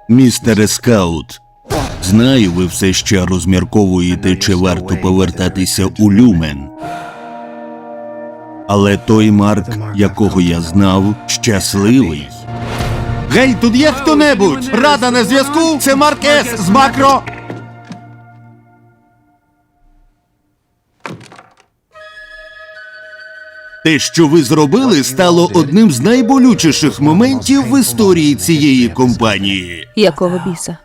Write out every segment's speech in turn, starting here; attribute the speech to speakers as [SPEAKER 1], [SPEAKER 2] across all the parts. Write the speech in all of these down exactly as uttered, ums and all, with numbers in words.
[SPEAKER 1] Містере Скаут, знаю, ви все ще розмірковуєте, чи варто повертатися у Люмен. Але той Марк, якого я знав, щасливий.
[SPEAKER 2] Гей, тут є хто-небудь? Рада на зв'язку? Це Марк С. з Макро.
[SPEAKER 1] Те, що ви зробили, стало одним з найболючіших моментів в історії цієї компанії.
[SPEAKER 3] Якого біса?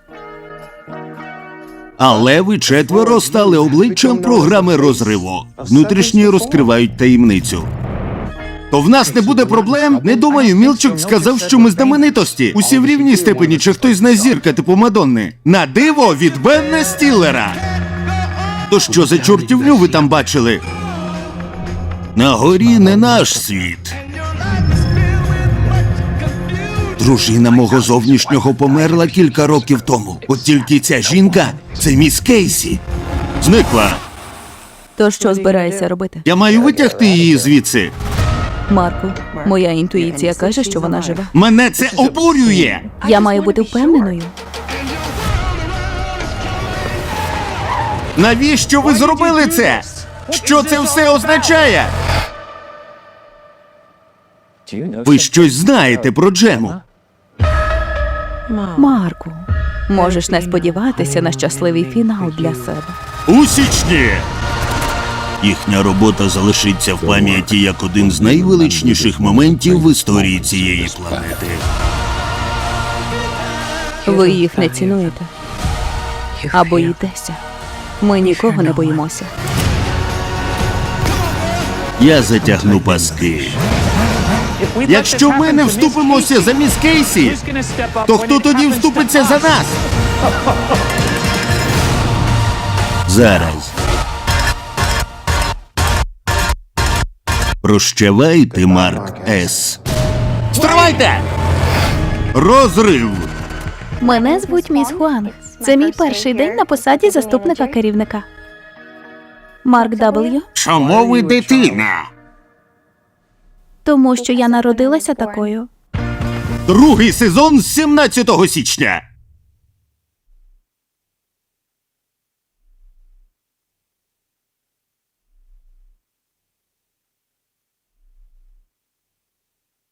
[SPEAKER 1] Але ви четверо стали обличчям програми розриву. Внутрішні розкривають таємницю.
[SPEAKER 2] То в нас не буде проблем? Не думаю, Мілчук сказав, що ми знаменитості. Усі в рівній степені, чи хтось з нас зірка типу Мадонни. На диво від Бенна Стіллера.
[SPEAKER 1] То що за чортівню ви там бачили? На горі не наш світ. Дружина мого зовнішнього померла кілька років тому. От тільки ця жінка – це міс Кейсі. Зникла.
[SPEAKER 3] То що збираєшся робити?
[SPEAKER 2] Я маю витягти її звідси.
[SPEAKER 3] Марку, моя інтуїція каже, що вона жива.
[SPEAKER 2] Мене це обурює.
[SPEAKER 3] Я маю бути впевненою.
[SPEAKER 2] Навіщо ви зробили це? Що це все означає?
[SPEAKER 1] Ви щось знаєте про Джему?
[SPEAKER 3] Марку, можеш не сподіватися на щасливий фінал для себе.
[SPEAKER 2] У січні!
[SPEAKER 1] Їхня робота залишиться в пам'яті як один з найвеличніших моментів в історії цієї планети.
[SPEAKER 3] Ви їх не цінуєте. А боїтеся. Ми нікого не боїмося.
[SPEAKER 1] Я затягну паски.
[SPEAKER 2] Якщо ми не вступимося за міс Кейсі, то хто тоді вступиться за нас?
[SPEAKER 1] Зараз. Прощавайте, Марк С.
[SPEAKER 2] Стривайте! Розрив!
[SPEAKER 4] Мене звуть міс Хуанг. Це мій перший день на посаді заступника керівника. Марк Дабл-ю.
[SPEAKER 2] Чому ви дитина?
[SPEAKER 4] Тому що я народилася такою.
[SPEAKER 2] Другий сезон з сімнадцятого січня.